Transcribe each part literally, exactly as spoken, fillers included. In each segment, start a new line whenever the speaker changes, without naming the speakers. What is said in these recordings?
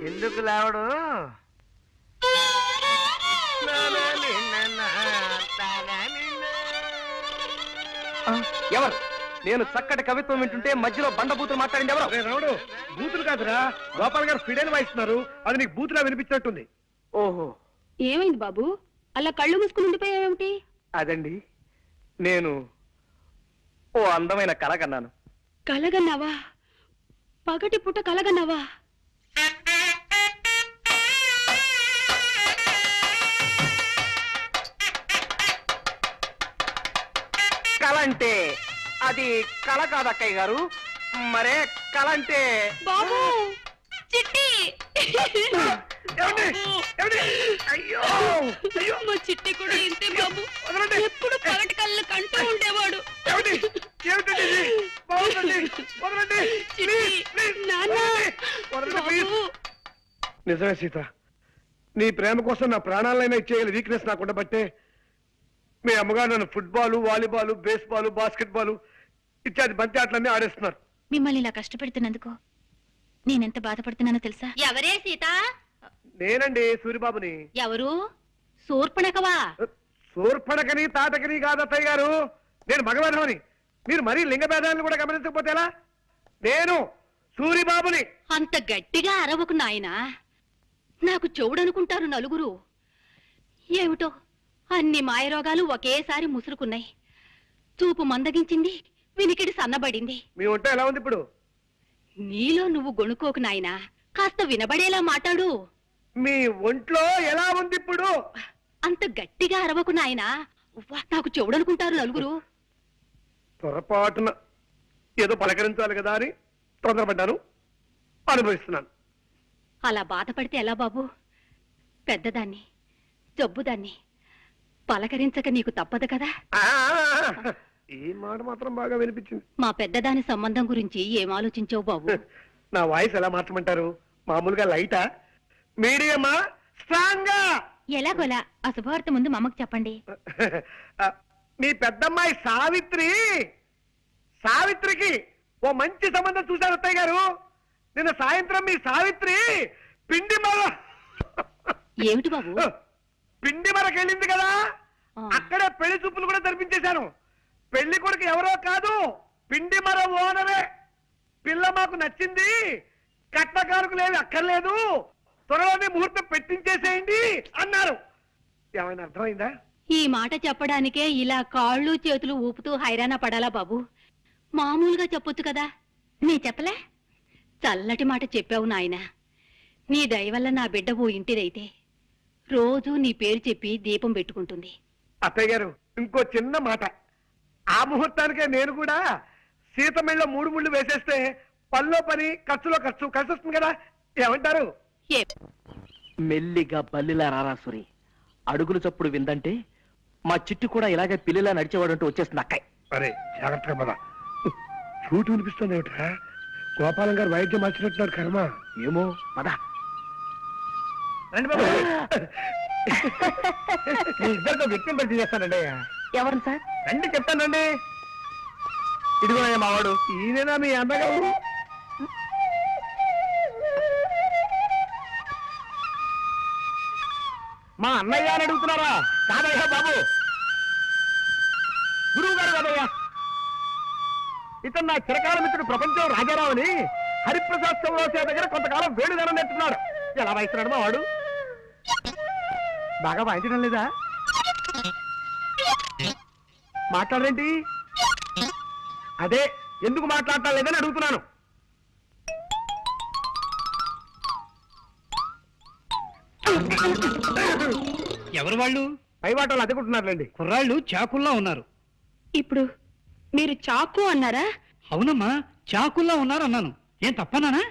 ఎందుకు లేవడు?
ఎవరు? నేను చక్కటి కవిత్వం వింటుంటే మధ్యలో బండబూతులు మాట్లాడింది ఎవరు?
రావుడు, బూతులు కాదురా, గోపాల్ గారు ఫిడైన్ వాయిస్తున్నారు. అది నీకు బూతులా వినిపించినట్టుంది.
ఓహో,
ఏమైంది బాబు? అలా కళ్ళు మూసుకుని ఉండిపోయావేమిటి?
అదండి, నేను ఓ అందమైన కళ కన్నాను.
కలగన్నావా? పగటి పుట్ట కలగన్నావా?
కళ అంటే అది కళ కాదు అక్కయ్య గారు. మరే కళ అంటే
బాబు, చిట్టి!
అయ్యో,
మా చిట్టి కూడా ఇంతే బాబు. ఎప్పుడు పగటి కళ్ళు కంటూ ఉండేవాడు.
నిజమే సీత, నీ ప్రేమ కోసం నా ప్రాణాలైనా ఇచ్చేయాలి వీక్నెస్ నాకు ఉండబట్టే మీ అమ్మగారు నన్ను football, volleyball, baseball, basket ball ఇత్యాది బంతి ఆటలన్నీ ఆడేస్తున్నారు.
మిమ్మల్ని ఇలా కష్టపెడుతున్నందుకు నేనెంత బాధపడుతున్నానో తెలుసా?
ఎవరే సీత?
నేనండి, సూరిబాబుని.
ఎవరు? శూర్పణఖవా?
శూర్పణఖని తాటకని కాదత్తయ్య గారు, నేను మగవాధవని. మీరు మరీ లింగ భేదాలను కూడా గమనించకపోతే ఎలా? నేను సూరిబాబుని.
అంత గట్టిగా అరవకు నాయనా, నాకు చెవుడనుకుంటారు నలుగురు. ఏమిటో అన్ని మాయరోగాలు ఒకేసారి ముసురుకున్నాయి. చూపు మందగించింది, వినికిడి సన్నబడింది.
మీ ఒంట ఎలా ఉంది ఇప్పుడు?
నీలో నువ్వు గొణుకోకు నాయనా, కాస్త వినబడేలా మాట్లాడు.
మీ ఒంట్లో ఎలా ఉంది ఇప్పుడు?
అంత గట్టిగా అరవకు నాయనా, నాకు చెవుడనుకుంటారు నలుగురు.
పొరపాటున ఏదో పలకరించాలి కదా అని తొందరపడ్డాను, అనుభవిస్తున్నాను.
అలా బాధపడితే ఎలా బాబు? పెద్దదాన్ని, జబ్బుదాన్ని పలకరించక నీకు తప్పదు కదా.
ఈ మాట మాత్రం బాగా వినిపించింది.
మా పెద్దదాని సంబంధం గురించి ఏం ఆలోచించావు బాబు?
నా వాయిస్ ఎలా మార్చమంటారు? మామూలుగా లైటా, మీడియమా, స్ట్రాంగా?
ఎలాగోలా ఆ శుభవార్త ముందు మా అమ్మకు చెప్పండి.
మీ పెద్దమ్మాయి సావిత్రి, సావిత్రికి ఓ మంచి సంబంధం చూశారు అత్తయ్య గారు. నిన్న సాయంత్రం మీ సావిత్రి పిండి మర
ఏమిటి బాబు?
పిండి మరకెళ్ళింది కదా, అక్కడే పెళ్లి చూపులు కూడా జరిపించేశాను. పెళ్లి కొడుకు ఎవరో కాదు, పిండి మర ఓనరే. పిల్ల మాకు నచ్చింది, కట్నకారుకు లేదు, అక్కర్లేదు, త్వరలోనే ముహూర్తం పెట్టించేసేయండి అన్నారు. ఏమైనా అర్థమైందా?
ఈ మాట చెప్పడానికే ఇలా కాళ్ళు చేతులు ఊపుతూ హైరాణ పడాలా బాబు? మామూలుగా చెప్పొచ్చు కదా. నీ చెప్పలే? చల్లటి మాట చెప్పావు నాయన. నీ దయ వల్ల నా బిడ్డ ఓ ఇంటిదైతే రోజూ నీ పేరు చెప్పి దీపం పెట్టుకుంటుంది.
అత్తయ్య గారు, ఇంకో చిన్న మాట. ఆ ముహూర్తానికే నేను కూడా సీతమిళ్ళ మూడు ముళ్ళు వేసేస్తే పనిలో పని, ఖర్చులో ఖర్చు కలిసి వస్తుంది కదా. ఏమంటారు?
మెల్లిగా బల్లిలా రారాసురి, అడుగులు చప్పుడు విందంటే మా చిట్టు కూడా ఇలాగే పిల్లిలా నడిచేవాడంటూ వచ్చేస్తుంది అక్కయ్య.
అరే జాగ్రత్తగా పద. చూటు వినిపిస్తుంది ఏమిట్రా? గోపాలం గారు వైద్యం మార్చినట్టున్నారు కర్మ.
ఏమో పద.
రండి బాబు, ఇద్దరితో వ్యక్తిని పరిచయం చేస్తానండి.
ఎవరు సార్?
రండి చెప్తానండి.
ఇదిగో మావాడు.
ఈయన మీ అన్నగారు.
మా అన్నయ్య అని అడుగుతున్నారా? కాదయ్యా బాబు, గురువు గారు కాదయ్యా.
ఇతను నా చిరకాల మిత్రుడు ప్రపంచం రాజారావు అని హరిప్రసాద్ చౌరాసే దగ్గర కొంతకాలం వేణుగానం నేర్చుకున్నాడు. ఎలా వాయిస్తున్నాడు మా వాడు? బాగా వాయించడం లేదా? మాట్లాడరేంటి? అదే ఎందుకు మాట్లాడటం లేదని అడుగుతున్నాను.
ఎవరు వాళ్ళు?
పై వాటలు అదుకుంటున్నారులేండి.
కుర్రాళ్ళు చాకుల్లా ఉన్నారు.
ఇప్పుడు మీరు చాకు అన్నారా?
అవునమ్మా, చాకుల్లా ఉన్నారు అన్నాను. ఏం తప్పనానా?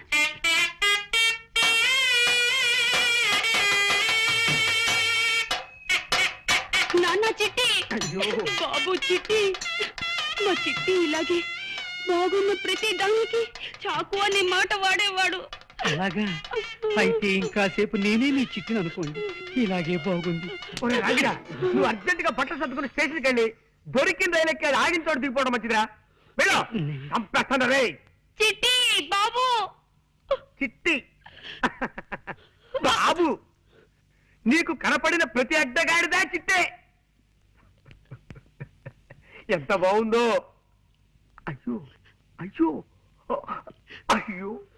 నాన్న చిట్టి, బాబు చిట్టి, మా చిట్టి ఇలాగే బాగున్న ప్రతి దానికి చాకు అనే మాట వాడేవాడు.
అలాగా? అయితే ఇంకాసేపు నేనే మీ చిట్టిని అనుకోండి. ఇలాగే బాగుంది.
నువ్వు అర్జెంట్ గా బట్టలు సర్దుకుని స్టేషన్కి వెళ్ళి దొరికిన రైలు ఎక్కి ఆగిన చోటు దిగిపోవడం మంచిదిరా. వెళ్ళు, చంపేస్తాను రే.
చిట్టి బాబు.
చిట్టి నీకు కనపడిన ప్రతి అడ్డగాడిదా చిట్టే. ఎంత బాగుందో. అయ్యో అయ్యో అయ్యో